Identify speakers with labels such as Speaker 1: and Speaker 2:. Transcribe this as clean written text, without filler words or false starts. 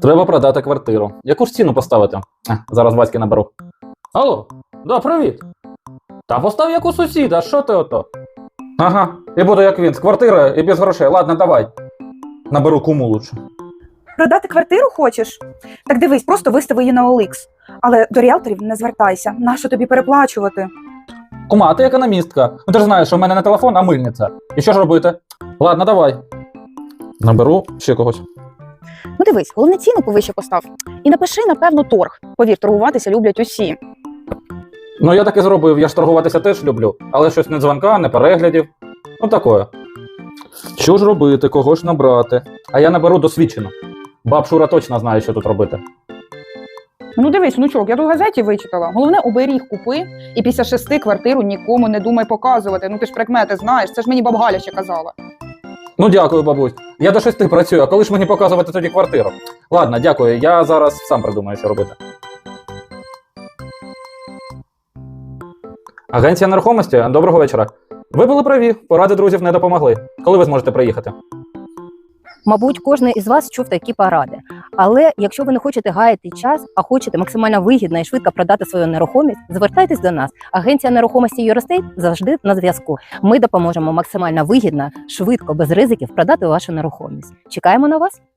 Speaker 1: Треба продати квартиру. Яку ж ціну поставити? Зараз батьки наберу. Алло, да, привіт. Та постав як у сусіда, що ти ото? Ага, і буду як він, з квартири і без грошей. Ладно, давай. Наберу куму лучше.
Speaker 2: Продати квартиру хочеш? Так дивись, просто вистави її на OLX. Але до ріелторів не звертайся. Нащо тобі переплачувати?
Speaker 1: Кума, а ти економістка. Ну ти ж знаєш, що в мене не телефон, а мильниця. І що ж робити? Ладно, давай. Наберу ще когось.
Speaker 2: Ну дивись, головне ціну повище постав. І напиши, напевно, торг. Повір, торгуватися люблять усі.
Speaker 1: Ну я так і зробив, я ж торгуватися теж люблю. Але щось не дзвонка, не переглядів. Ну такое. Що ж робити, кого ж набрати? А я наберу досвідчену. Баб Шура точно знає, що тут робити.
Speaker 2: Ну дивись, внучок, я тут в газеті вичитала. Головне, оберіг купи і після 6 квартиру нікому не думай показувати. Ну ти ж прикмети знаєш, це ж мені баба Галя ще казала.
Speaker 1: Ну дякую, бабусь. Я до 6 працюю, а коли ж мені показувати тоді квартиру? Ладно, дякую, я зараз сам придумаю, що робити. Агенція нерухомості, доброго вечора. Ви були праві, поради друзів не допомогли. Коли ви зможете приїхати?
Speaker 3: Мабуть, кожен із вас чув такі поради. Але якщо ви не хочете гаяти час, а хочете максимально вигідно і швидко продати свою нерухомість, звертайтесь до нас. Агенція нерухомості Юрестейт завжди на зв'язку. Ми допоможемо максимально вигідно, швидко, без ризиків продати вашу нерухомість. Чекаємо на вас!